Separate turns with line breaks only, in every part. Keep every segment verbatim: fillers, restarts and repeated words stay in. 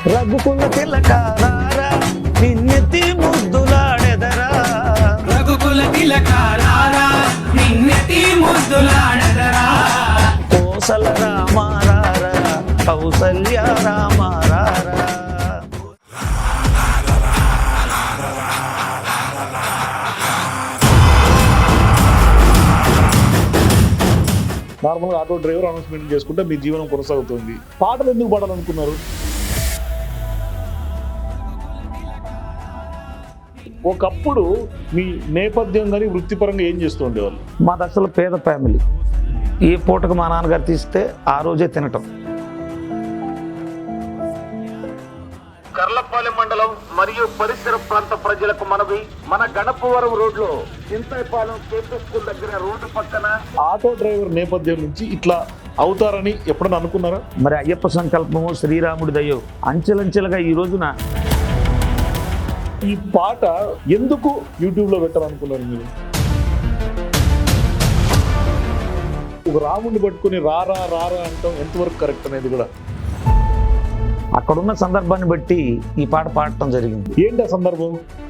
రఘుకుల తిలకారారా నిన్నెత్తి ముద్దులాడెదరా
రఘుకుల తిలకారారా నిన్నెత్తి ముద్దులాడెదరా
కోసల రామారారా కౌసల్య రామారారా.
నార్మల్గా ఆటో డ్రైవర్ అనౌన్స్మెంట్ చేసుకుంటే మీ జీవనం కొనసాగుతుంది. పాటలు ఎందుకు పాడాలనుకున్నారు? ఒకప్పుడు మీ నేపథ్యం కానీ వృత్తిపరంగా ఏం చేస్తూ ఉండేవాళ్ళు?
మాది అసలు పేద ఫ్యామిలీ. ఏ పూటకు మా నాన్నగారు తీస్తే ఆ రోజే తినటం.
కర్లపాలెం మండలం మరియు పరిసర ప్రాంత ప్రజలకు మనవి, మన గణపవరం రోడ్ లో చింతైపాలెం కేపీ స్కూల్ దగ్గర రోడ్డు పక్కన
ఆటో డ్రైవర్ నేపథ్యం నుంచి ఇట్లా అవుతారని ఎప్పుడైనా అనుకున్నారా?
మరి అయ్యప్ప సంకల్పము శ్రీరాముడి దయ్యో అంచెలంచెలుగా ఈ రోజున
ఈ పాట ఎందుకు యూట్యూబ్ లో పెట్టాలనుకున్నారు మీరు? ఒక రాముడిని పట్టుకుని రారా రారా అంటాం ఎంతవరకు కరెక్ట్ అనేది కూడా
అక్కడున్న సందర్భాన్ని బట్టి ఈ పాట పాడటం జరిగింది.
ఏంటి ఆ సందర్భం?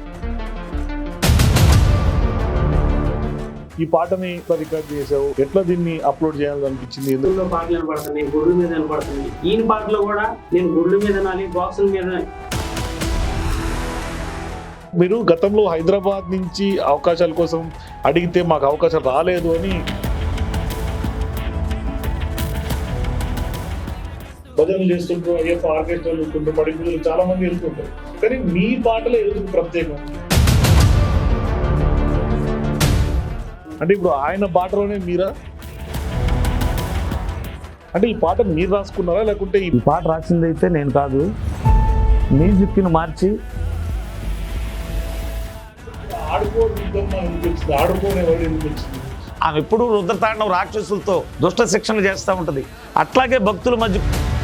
ఈ పాటని రికార్డ్ చేసావు, ఎట్లా దీన్ని అప్లోడ్ చేయాలనిపించింది?
ఎందుకు పాటలు వినపడుతున్నాయి, గుడ్ల మీద వినపడుతుంది. ఈయన పాటలో కూడా నేను గుడ్ల మీద నాలి బాక్సుల మీద.
మీరు గతంలో హైదరాబాద్ నుంచి అవకాశాల కోసం అడిగితే మాకు అవకాశం రాలేదు అని భజనలు చేస్తుంటారు, అయ్యప్ప ఆర్కెస్ట్రాలు వెళ్తుంటారు, పడిపిల్లలు చాలా మంది వెళ్తుంటారు. కానీ మీ పాటలో ఎందుకు ప్రత్యేకం? అంటే ఇప్పుడు ఆయన పాటలోనే మీరా? అంటే ఈ పాట మీరు రాసుకున్నారా లేకుంటే
ఈ పాట రాసింది అయితే నేను కాదు, మ్యూజిక్ని మార్చి
ఆడుకోవడం అనిపించింది, ఆడుకోనేవాడు అనిపించింది.
ఆమె ఎప్పుడు రుద్రతాండవం రాక్షసులతో దుష్ట శిక్షణ చేస్తూ ఉంటుంది. అట్లాగే భక్తుల మధ్య